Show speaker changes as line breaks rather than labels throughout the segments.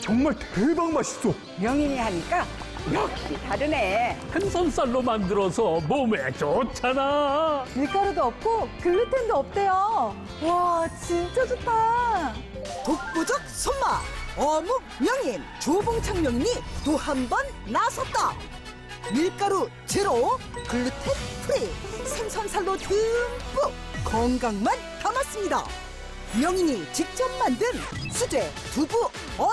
정말 대박 맛있어.
명인이 하니까 역시 다르네.
생선살로 만들어서 몸에 좋잖아.
밀가루도 없고 글루텐도 없대요. 와, 진짜 좋다.
독보적 손맛 어묵 명인 조봉창 명인이 또 한 번 나섰다. 밀가루 제로 글루텐 프리 생선살로 듬뿍 건강만 담았습니다. 명인이 직접 만든 수제 두부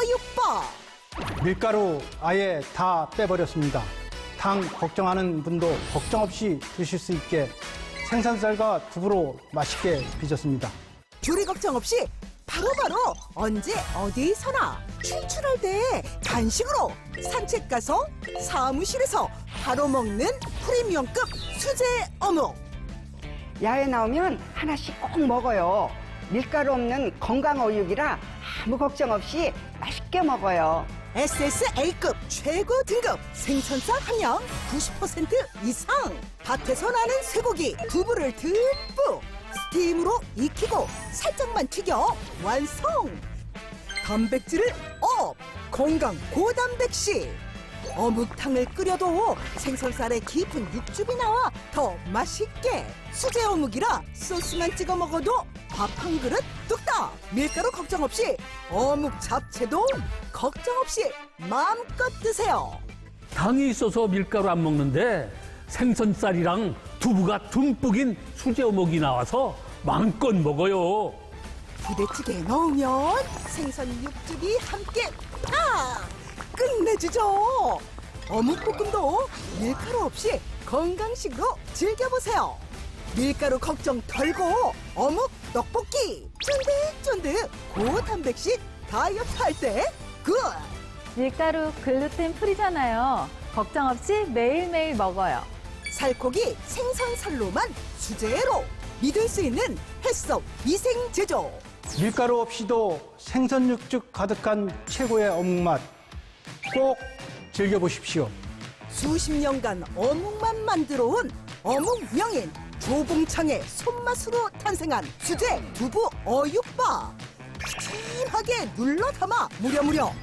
어육밥.
밀가루 아예 다 빼버렸습니다. 당 걱정하는 분도 걱정 없이 드실 수 있게 생선살과 두부로 맛있게 빚었습니다.
조리 걱정 없이 바로바로 언제 어디서나 출출할 때 간식으로 산책 가서 사무실에서 바로 먹는 프리미엄급 수제 어묵.
야외 나오면 하나씩 꼭 먹어요. 밀가루 없는 건강 어육이라 아무 걱정 없이 맛있게 먹어요.
SSA급 최고 등급 생선살 함량 90% 이상. 밭에서 나는 쇠고기 두부를 듬뿍 스팀으로 익히고 살짝만 튀겨 완성. 단백질을 업 건강 고단백식. 어묵탕을 끓여도 생선살에 깊은 육즙이 나와 더 맛있게. 수제 어묵이라 소스만 찍어 먹어도 밥 한 그릇 뚝딱. 밀가루 걱정 없이 어묵 잡채도 걱정 없이 마음껏 드세요.
당이 있어서 밀가루 안 먹는데 생선살이랑 두부가 듬뿍인 수제 어묵이 나와서 마음껏 먹어요.
부대찌개에 넣으면 생선 육즙이 함께 팍 끝내주죠. 어묵볶음도 밀가루 없이 건강식으로 즐겨보세요. 밀가루 걱정 덜고 어묵 떡볶이 쫀득쫀득 고단백식 다이어트 할 때 굿.
밀가루 글루텐 프리잖아요. 걱정 없이 매일매일 먹어요.
살코기 생선살로만 수제로 믿을 수 있는 햇섭 위생 제조.
밀가루 없이도 생선 육즙 가득한 최고의 어묵맛 꼭 즐겨보십시오.
수십 년간 어묵만 만들어온 어묵 명인 조봉창의 손맛으로 탄생한 수제 두부 어육밥. 푸짐하게 눌러 담아 무려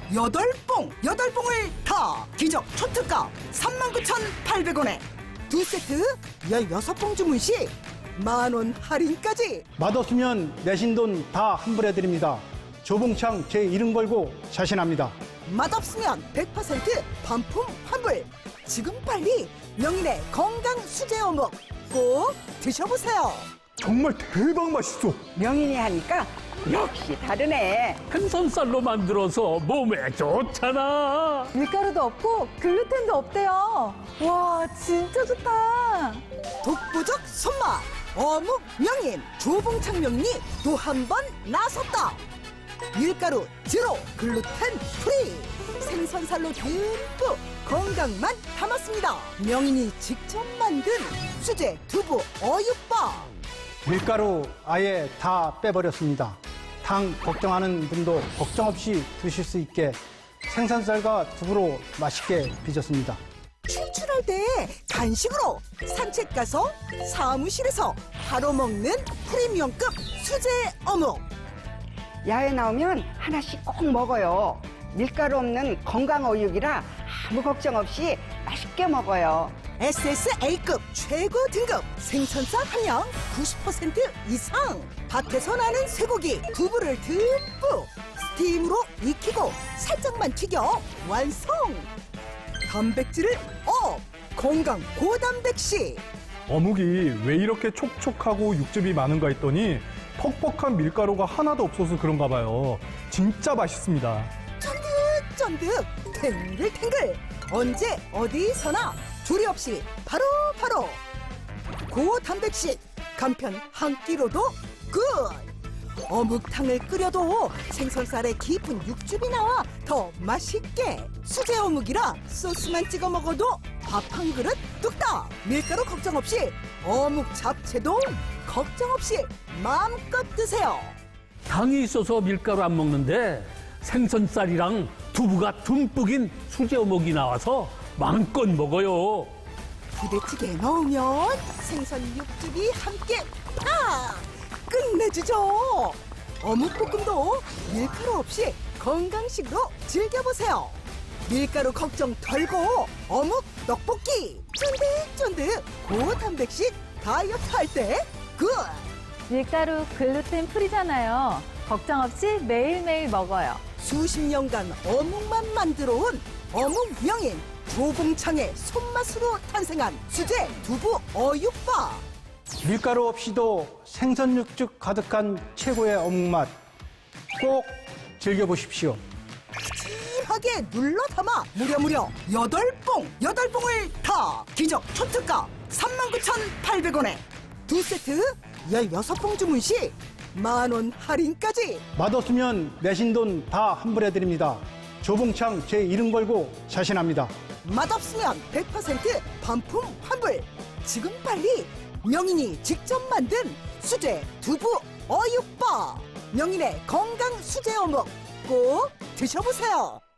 8봉을 다 기적 초특가 39,800원에 두 세트 16봉 주문 시 만원 할인까지.
맛없으면 내신 돈 다 환불해드립니다. 조봉창 제 이름 걸고 자신합니다.
맛없으면 100% 반품 환불. 지금 빨리 명인의 건강 수제 어묵 꼭 드셔보세요.
정말 대박 맛있어.
명인이 하니까 역시 다르네.
생선살로 만들어서 몸에 좋잖아.
밀가루도 없고 글루텐도 없대요. 와, 진짜 좋다.
독보적 손맛 어묵 명인 조봉창 명인이 또 한 번 나섰다. 밀가루 제로 글루텐 프리 생선살로 듬뿍 건강만 담았습니다. 명인이 직접 만든 수제 두부 어육밥.
밀가루 아예 다 빼버렸습니다. 당 걱정하는 분도 걱정 없이 드실 수 있게 생선살과 두부로 맛있게 빚었습니다.
출출할 때 간식으로 산책 가서 사무실에서 바로 먹는 프리미엄급 수제 어묵.
야외 나오면 하나씩 꼭 먹어요. 밀가루 없는 건강 어육이라 아무 걱정 없이 맛있게 먹어요.
SSA급 최고 등급 생선살 함량 90% 이상. 밭에서 나는 쇠고기 두부를 듬뿍 스팀으로 익히고 살짝만 튀겨 완성. 단백질을 업 건강 고단백식.
어묵이 왜 이렇게 촉촉하고 육즙이 많은가 했더니 퍽퍽한 밀가루가 하나도 없어서 그런가 봐요. 진짜 맛있습니다.
쫀득쫀득 탱글탱글 언제 어디서나 조리 없이 바로 고단백식 간편 한 끼로도 굿. 어묵탕을 끓여도 생선살에 깊은 육즙이 나와 더 맛있게. 수제 어묵이라 소스만 찍어 먹어도 밥 한 그릇 뚝딱. 밀가루 걱정 없이 어묵 잡채도 걱정 없이 마음껏 드세요.
당이 있어서 밀가루 안 먹는데 생선살이랑 두부가 듬뿍인 수제 어묵이 나와서 마음껏 먹어요.
부대찌개에 넣으면 생선 육즙이 함께 팍 끝내주죠. 어묵볶음도 밀가루 없이 건강식으로 즐겨보세요. 밀가루 걱정 덜고 어묵 떡볶이 쫀득쫀득 고단백식 다이어트 할 때 굿!
밀가루 글루텐 프리잖아요. 걱정 없이 매일매일 먹어요.
수십 년간 어묵만 만들어온 어묵 명인 조봉창의 손맛으로 탄생한 수제 두부 어육밥.
밀가루 없이도 생선 육즙 가득한 최고의 어묵 맛 꼭 즐겨보십시오.
푸짐하게 눌러 담아 무려 8봉을 다 기적 초특가 39,800원에 두 세트 16봉 주문 시 만원 할인까지.
맛없으면 내신 돈 다 환불해드립니다. 조봉창 제 이름 걸고 자신합니다.
맛없으면 100% 반품 환불. 지금 빨리 명인이 직접 만든 수제 두부 어육밥. 명인의 건강 수제 어묵 꼭 드셔보세요.